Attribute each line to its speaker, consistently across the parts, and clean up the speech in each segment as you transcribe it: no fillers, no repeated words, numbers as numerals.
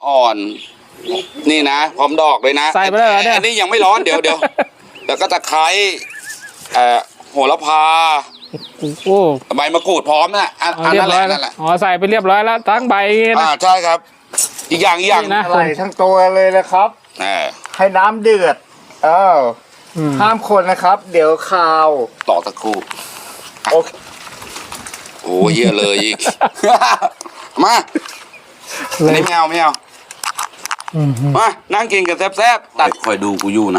Speaker 1: อ่อนนี่นะพร้อมดอกเลยนะ
Speaker 2: ใส่ไปเลยเหรอเนี่ย
Speaker 1: อันนี้ยังไม่ร้อนเดี๋ยวแล้วก็ตะไคร้โหระพา
Speaker 2: โอ้
Speaker 1: ใบมะกรูดพร้อมนะอันนั้นแหละนั่นแหละ
Speaker 2: อ๋อใส่ไปเรียบร้อยแล้วทั้งใบนะ
Speaker 1: ใช่ครับอีกอย่าง
Speaker 2: นะ
Speaker 3: ใส่ทั้งตัวเลยนะครับ ให้น้ำเดือดห้ามคนนะครับ เดี๋ยวคาว
Speaker 1: ต่อตะครู่โอ้เยอะเลยอีก มาอันนี้ไม่เอามานั่งกินกันแซ่บๆตัดคอยดูกูอยู่นะ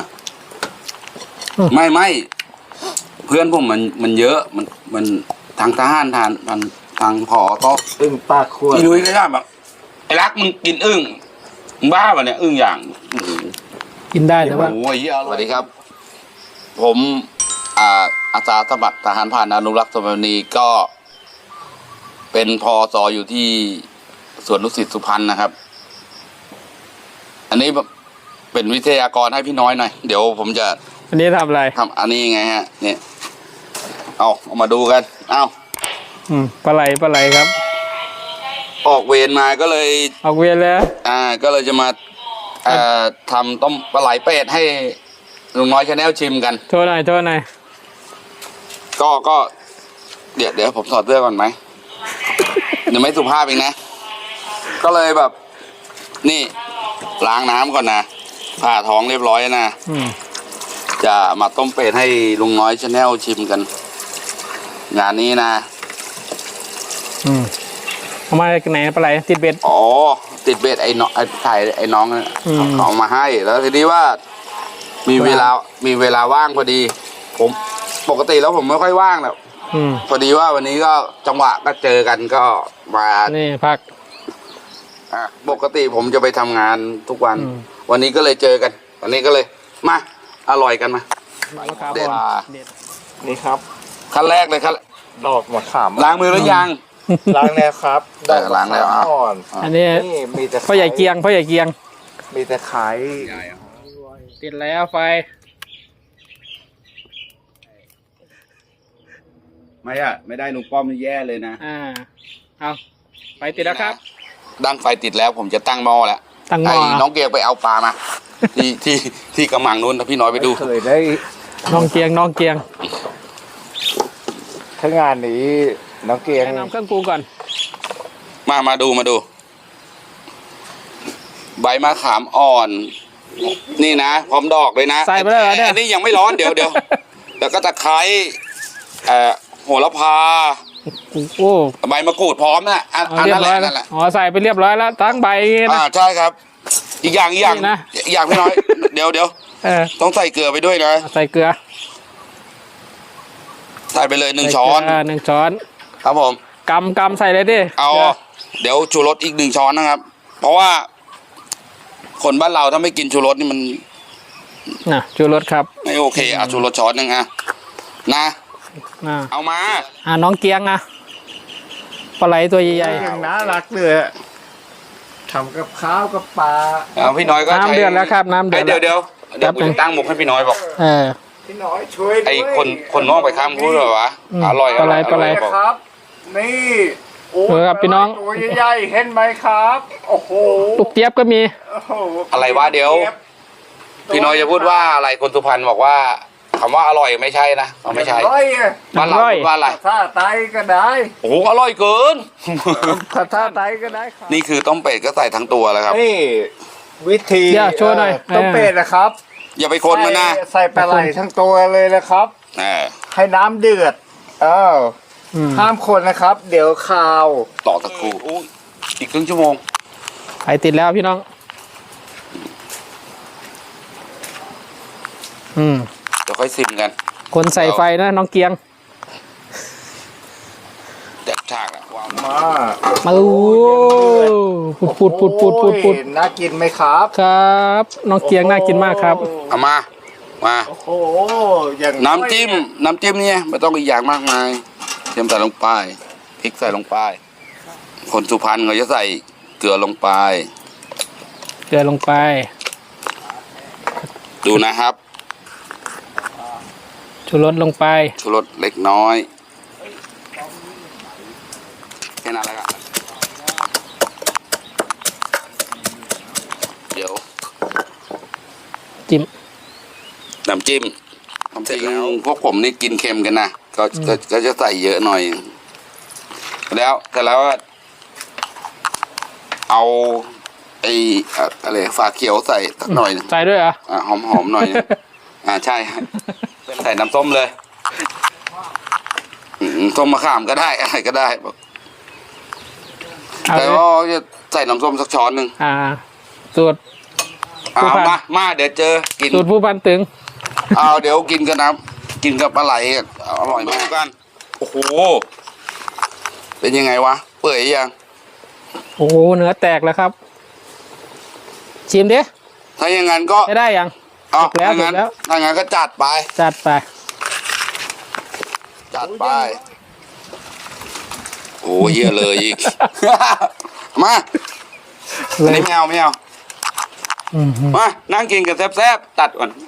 Speaker 1: ไม่เพื่อนผมมันเยอะมันทางทหารทางผอก็
Speaker 3: อึ่งปากขวด
Speaker 1: พี่นุ้ยก็ได้แบบไอ้รักมึงกินอึ่งมึงบ้าป่ะเนี่ยอึ่งอย่าง
Speaker 2: กินได้แต่ว่า
Speaker 1: โอ้ยสวัสดีครับ ผมอาสาสมัครทหารผ่านอนุรักษ์ธรณีก็เป็นพอสออยู่ที่สวนดุสิตสุพรรณนะครับ อันนี้เป็นวิทยากรให้พี่น้อยหน่อยเดี๋ยวผมจะ
Speaker 2: อันนี้ทำอะไร
Speaker 1: ทำอันนี้ไงฮะเนี่ยเอามาดูกัน
Speaker 2: ปลาไหลครับ
Speaker 1: ออกเวรมาก็เลย
Speaker 2: ออกเวรแล้ว
Speaker 1: ก็เลยจะมาทำต้มปลาไหลเป็ดให้ลุงน้อยชาแนลชิมกัน
Speaker 2: โทษหน่อย
Speaker 1: ก็เดี๋ยวผมถอดเสื้อก่อนไหม เดี๋ยวไม่สุภาพเองนะ ก็เลยแบบ นี่ล้างน้ำก่อนนะผ่าท้องเรียบร้อยนะจะมาต้มเป็ดให้ลุงน้อยชาแนลชิมกัน งานนี้นะ
Speaker 2: เอามาไหนปลาไหลติดเบ็ด
Speaker 1: อ๋อติดเบ็ดไอ้น้องไอ้น้องเขามาให้แล้วทีนี้ว่ามีเวลาว่างพอดี ผมปกติแล้วผมไม่ค่อยว่างหรอกพอดีว่าวันนี้ก็จังหวะก็เจอกันก็มา
Speaker 2: นี่พัก
Speaker 1: ปกติผมจะไปทำงานทุกวันวันนี้ก็เลยเจอกันวันนี้ก็เลยมาอร่อยกันมาเด็ด
Speaker 3: นี่ครับ
Speaker 1: ขั้นแรกเลยครับ
Speaker 3: ดอกมะขาม
Speaker 1: ล้างมือหรือยัง
Speaker 3: ล้างแล้วครับ
Speaker 1: ดอกล้างแล้ว
Speaker 2: อันนี้พ่อใหญ่เกียง
Speaker 3: มีแต่ไข่
Speaker 2: ติดแล้วไฟ
Speaker 1: ไม่ได้ลุงป้อมนี่แย่เลยนะ
Speaker 2: เอาไฟติดแล้วครับ
Speaker 1: ดังไฟติดแล้วผมจะตั้งหม้อแล้วไอ้น้องเกียงไปเอาปลามาที่กำมังนู้นพี่น้อยไปดู
Speaker 3: เคยได้
Speaker 2: น้องเกียง
Speaker 3: ถ้างานนี้น้องเกียง
Speaker 2: แนะนำเครื่องปรุงก่อน
Speaker 1: มาดูใบมะขามอ่อนนี่นะพร้อมดอกเลยนะ
Speaker 2: ใส่ไปเลยเหรอเนี่ย
Speaker 1: อันนี้ยังไม่ร้อนเดี๋ยวแล้วก็ตะไคร้โหระพา
Speaker 2: โอ้
Speaker 1: ใบมะกรูดพร้อมนะอันนั้นแหละ
Speaker 2: อ๋อใส่ไปเรียบร้อยแล้วทั้งใบนะ
Speaker 1: ใช่ครับอีกอย่างพี่น้อยเดี๋ยวต้องใส่เกลือไปด้วยนะ
Speaker 2: ใส่เกลือ
Speaker 1: ใส่ไปเลย1 ช้อน
Speaker 2: 1 ช้อน
Speaker 1: ครับผม
Speaker 2: กำใส่เลยดิ
Speaker 1: เอาเดี๋ยวชูรสอีก1 ช้อนนะครับเพราะว่าคนบ้านเราถ้าไม่กินชูรสนี่มัน
Speaker 2: ชูรสครับ
Speaker 1: ไม่โอเคชูรสช้อนนึงนะเอามา
Speaker 2: น้องเกียงปลาไหลตัวใหญ่
Speaker 3: ๆน่ารักเลยทำกับข้าวกับปลา
Speaker 1: พี่น้อยก็
Speaker 2: น้ำเดือดแล้วครับน้ำเดือด
Speaker 1: เดี๋ยวผมตั้งหมกให้พี่น้อยบอก
Speaker 3: พี่น้อยช่วย
Speaker 1: ไอ้คนน้องไปข้ามพูดเหรอวะอร่อย
Speaker 2: ปลาไหล
Speaker 3: ครับนี่
Speaker 2: ครับพี่น้อง
Speaker 3: ตัวใหญ่ๆเห็นไหมครับโอ้โห
Speaker 2: ลูกเจี๊ยบก็มี
Speaker 1: อะไรวะเดี๋ยวพี่น้อยจะพูดว่าอะไรคนสุพรรณบอกว่าคำว่าอร่อยไม่ใช่นะไม่ใช่บ้านเราว่าอะไร
Speaker 3: ถ้าไตก็ได้
Speaker 1: โอ้อร่อยเกิน
Speaker 3: ถ้าไตก็ได้ครับ
Speaker 1: นี่คือต้มเป็ดก็ใส่ทั้งตัวแล้วครับ
Speaker 3: นี่วิธี
Speaker 2: โชว์หน่อย
Speaker 3: ต้มเป็ดนะครับ
Speaker 1: อย่าไปคนมันนะ
Speaker 3: ใส่ปลาไหลทั้งตัวเลยนะครับให้น้ำเดือดห้ามคนนะครับเดี๋ยวคาว
Speaker 1: ต่อตะครู่อีกครึ่งชั่วโมง
Speaker 2: ไฟติดแล้วพี่น้อง
Speaker 1: เดี๋ยวค่อยซิมกัน
Speaker 2: คนใส่ไฟนะน้องเกียง
Speaker 1: แดดฉากอะวาง
Speaker 2: มาปุด
Speaker 3: น่ากินไหมครับ
Speaker 2: ครับน้องเกียงน่ากินมากครับ
Speaker 1: เอามา
Speaker 3: โอ้โห
Speaker 1: น้ำจิ้มเนี่ยไม่ต้องอีกอย่างมากมายเตรียมใส่ลงไปพริกใส่ลงไปคนสุพรรณเขาจะใส่เกลือลงไปดูนะครับ
Speaker 2: ชูรสลงไป
Speaker 1: ชูรสเล็กน้อยแค่นั้นแหละครับ
Speaker 2: จิ้ม
Speaker 1: น้ำจิ้มจริงพวกผมนี่กินเค็มกันนะก็จะใส่เยอะหน่อย แล้วแต่แล้วเอาไอ้อะไรฝาเขียวใส่สักหน่อยหนึ่ง
Speaker 2: ใส่ด้วยเหรอ
Speaker 1: หอมๆหน่อยหนึ่งใช่ใส่น้ำส้มเลยส้มมะขามก็ได้อะไรก็ได้บอก
Speaker 2: เอา
Speaker 1: แต่
Speaker 2: เลย
Speaker 1: ว่าจะใส่น้ำส้มสักช้อนหนึ่ง
Speaker 2: สูตร ผู้พัน
Speaker 1: มาเดี๋ยวเจอกิน
Speaker 2: สูตรผู้พันตึง
Speaker 1: เดี๋ยวกินกันนะกินกับปลาไหลอร่อยมากกันโอ้โหเป็นยังไงวะเปื่อยยัง
Speaker 2: โอ้โหเนื้อแตกแล้วครับ ชิมดิ
Speaker 1: ถ้าอย่างนั้นก็
Speaker 2: ได้ยัง ถูกแล้ว
Speaker 1: ถ้างั้น
Speaker 2: ถูกแล้ว
Speaker 1: ถ้างั้นก็จัดไป
Speaker 2: จัดไป
Speaker 1: โอ้เยี่ยเลยอีก มา
Speaker 2: เล
Speaker 1: อัน
Speaker 2: ย
Speaker 1: นี้ไม่เอามานั่งกินกันแซ่บๆตัดก่อน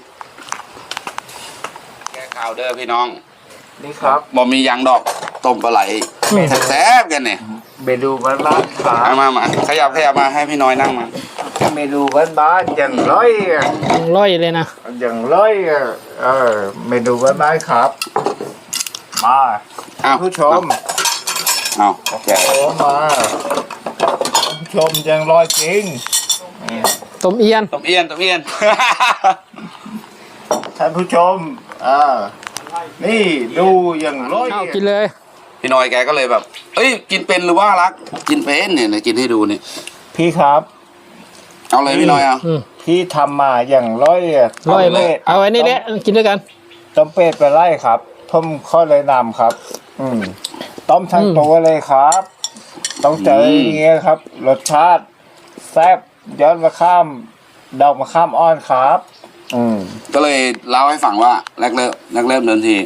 Speaker 1: แก้ข่าวเด้อพี่น้อง
Speaker 3: นี่ครับ
Speaker 1: บ่มียางดอกต้มปลาไหลแซ่บๆกันเนี่ย
Speaker 3: เมนูบ้านๆครับ
Speaker 1: มาขยับมาให้พี่น้อยนั่งมา
Speaker 3: เมนูบ้านๆอย่างร้อยอะ
Speaker 2: ร่อยเลยนะ
Speaker 3: อย่างร้อยอะเมนูบ้านๆครับ มา
Speaker 1: อ้าว
Speaker 3: ผู้ชม
Speaker 1: เอาแกะ
Speaker 3: โอ้มาผู้ชมอย่างร้อยจริง
Speaker 2: ต้มเอียน
Speaker 1: ต้มเอียน
Speaker 3: ท่านผู้ชมนี่ดูอย่างร้อย
Speaker 2: เอากินเลย
Speaker 1: พี่น้อยแกก็เลยแบบ เอ้ยกินเป็นหรือว่ารัก กินเป็นเนี่ยกินให้ดูเนี่ย
Speaker 3: พี่ครับ
Speaker 1: เอาเลยพี่น้อยเอา
Speaker 3: พี่ทำมาอย่างร้อยอะ
Speaker 2: ร่อยไหม
Speaker 3: ต้มเป็ด
Speaker 2: เอาไว้นี่แหละกินด้วยกัน
Speaker 3: ต้มเป็ดไปไล่ครับผมข้อเลยนำครับ ต้มทั้งตัวเลยครับ ต้องเจออย่างเงี้ยครับ รสชาติแซ่บย้อนมาข้ามดอกมะข้ามอ้อนครับ
Speaker 1: ก็เลยเล่าให้ฟังว่าแรกเริ่มเดินที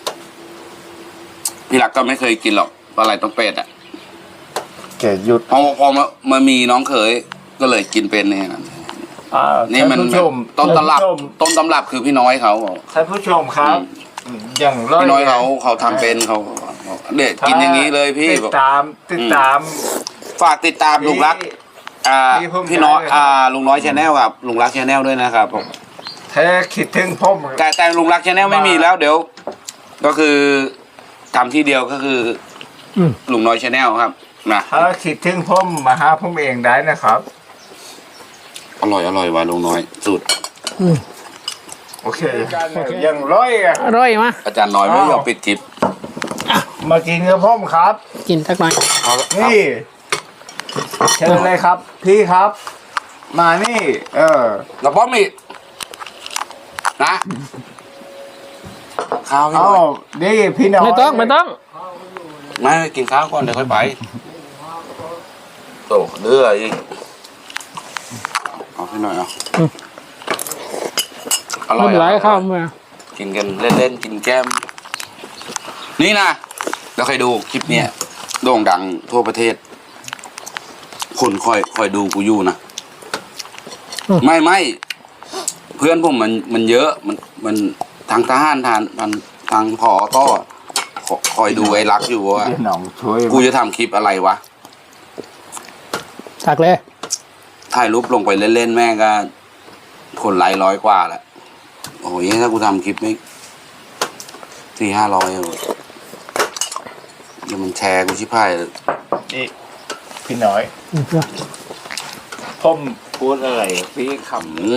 Speaker 1: พี่รักก็ไม่เคยกินหรอกปลาไหลต้มเป็ดอ่ะ
Speaker 3: เกดหยุด
Speaker 1: พอมามีน้องเขยก็เลยกินเป็นเนี่ยนะนี่มัน
Speaker 3: ท่าผู้ชม
Speaker 1: ต้นตำรับคือพี่น้อยเขา
Speaker 3: ท่านผู้ชมครับ อย่างร้อย
Speaker 1: พี่น้อยเขาทำเป็นเขาเด็ดกินอย่างนี้เลยพี่
Speaker 3: ติดตาม
Speaker 1: ฝากติดตามลุงรัก พี่น้อยลุงน้อยชาแนลครับลุงรักชาแนลด้วยนะครับผม
Speaker 3: แท้คิดถึงผม
Speaker 1: แต่ลุงรักชาแนลไม่มีแล้วเดี๋ยว ก็คือทำที่เดียวก็คือลุงน้อยชาแนลครับนะ
Speaker 3: ถ้าคิดถึงผมมาหาผมเองได้นะครับ
Speaker 1: อร่อยว่ะลุงน้อยสุด
Speaker 3: โอเคอย่างร้อยอะ
Speaker 2: ร่อยมะ
Speaker 1: อาจารย์น้อยไม่ยอมปิดคลิป
Speaker 3: มากินกับผมครับ
Speaker 2: กินสักหน่อย
Speaker 3: นี่เชิญเลยครับ พี่ครับ มานี่
Speaker 1: แล้วพ่อมีนะข้าวพี่
Speaker 3: เอา
Speaker 1: น้อย
Speaker 3: นี่พี่น้อง
Speaker 2: ไม่ต้อง
Speaker 1: ไม่กินข้าวก่อนเดี๋ยวค่อยไปโตเลืออีกเอาพี่น้อยเอาอร่
Speaker 2: ไม่
Speaker 1: อย
Speaker 2: เป็นไรข้าวมา
Speaker 1: กินกันเล่นๆกินแก้ม นี่นะแล้วใครดูคลิปเนี้ยโด่งดังทั่วประเทศ คนคอยดูกูอยู่นะไม่เพื่อนผมมันเยอะมันทางทหารทางพอต้อคอยดูไอ้รักอยู่ว่า
Speaker 3: พี่น้องช่วย
Speaker 1: กูจะทำคลิปอะไรวะ
Speaker 2: ตักเลย
Speaker 1: ถ่ายรูปลงไปเล่นๆแม่งก็คนไลค์100 กว่าแหละโอ้ยถ้ากูทำคลิปไม่400-500เดี๋ยวมันแชร์กูชิบหายเลย
Speaker 3: นี่พี่น้อยผมพูดอะไรพี่ค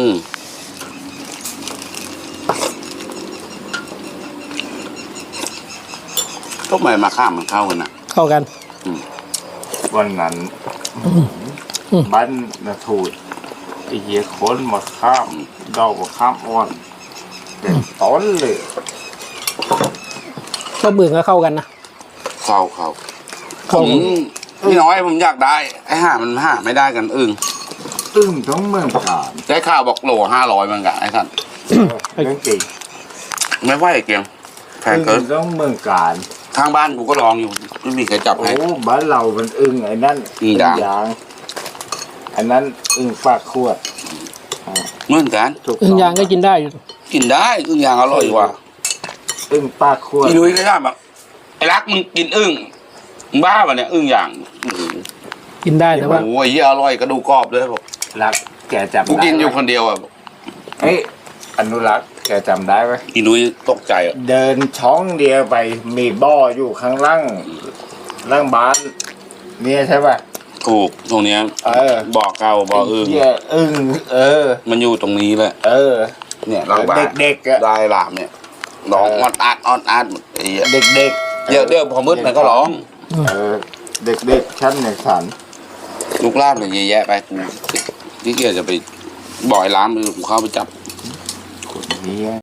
Speaker 1: ก็ไม่มาข้ามมันเข้ากันนะ
Speaker 2: เข้ากัน
Speaker 3: ำวันนั้นบ้านนาทูดไอ้เหี้ยคนมาข้ามดอกมาข้ามอ่อนเป็นต้นเลย
Speaker 2: ก็เบื่อก็เข้ากันนะ
Speaker 1: เข้าผมพี่น้อยผมอยากได้ไอ้ห่ามันหาไม่ได้กันอึ้ง
Speaker 3: ต้องเมืองการ
Speaker 1: ได้ข่าวบอกโล500มันกันไอ้ท่าน
Speaker 3: เรื่องจริง
Speaker 1: ไม่ไหวไอ้เกียงแพงเกิน
Speaker 3: ต้องเมืองการ
Speaker 1: ทางบ้านกูก็ลองอยู่ไม่มีใครจับ
Speaker 3: โอ้
Speaker 1: ให้
Speaker 3: บ้านเรามันอึ้งไอ้นั่น
Speaker 1: อึ่งด่าง
Speaker 3: อันนั้นอึ้งปากขวด
Speaker 1: เหมือนกัน
Speaker 3: ถูก
Speaker 2: อึ่งยางก็กินได้อยู่
Speaker 1: กินได้อึ้งอย่างอร่อยกว่า
Speaker 3: อึ้งปากขวด
Speaker 1: พี่นุ้ยก็ได้แบบไอ้รักมึงกินอึ้งมึงบ้าป่ะเนี่ยอึ้งอย่าง
Speaker 2: กินได้แต่ว่า
Speaker 1: โอ้ยอร่อยกระดูกกรอบเลยบอก
Speaker 3: รักแกจับ
Speaker 1: กูกินอยู่คนเดียวอ่ะ
Speaker 3: เฮ้ยอนุรักษ์แกจำได้ไหม
Speaker 1: อีนุ้ยตกใจอ่ะ
Speaker 3: เดินช่องเดียวไปมีบ่ออยู่ข้างล่างบ้านเนี่ยใช่ป่ะ
Speaker 1: ถูกตรงเนี้ย บ่อเก่าบ่ออึ่ง
Speaker 3: เหี้ยอึ่ง
Speaker 1: มันอยู่ตรงนี้แหละเนี่ยเราบ้าน
Speaker 3: เด็กๆอะ
Speaker 1: ได้หลามเนี่ยร้องออดอาดไอ้เหี้ย
Speaker 3: เด็ก
Speaker 1: เดี๋ยวพอมืดมันก็ร้อง
Speaker 3: เด็กๆชั้นในสัน
Speaker 1: ลูกลาบเนี่ยเยอะแยะไปกูที่เกียจจะไปบ่อยล้ามมือกูเข้าไปจับ
Speaker 3: คนนี้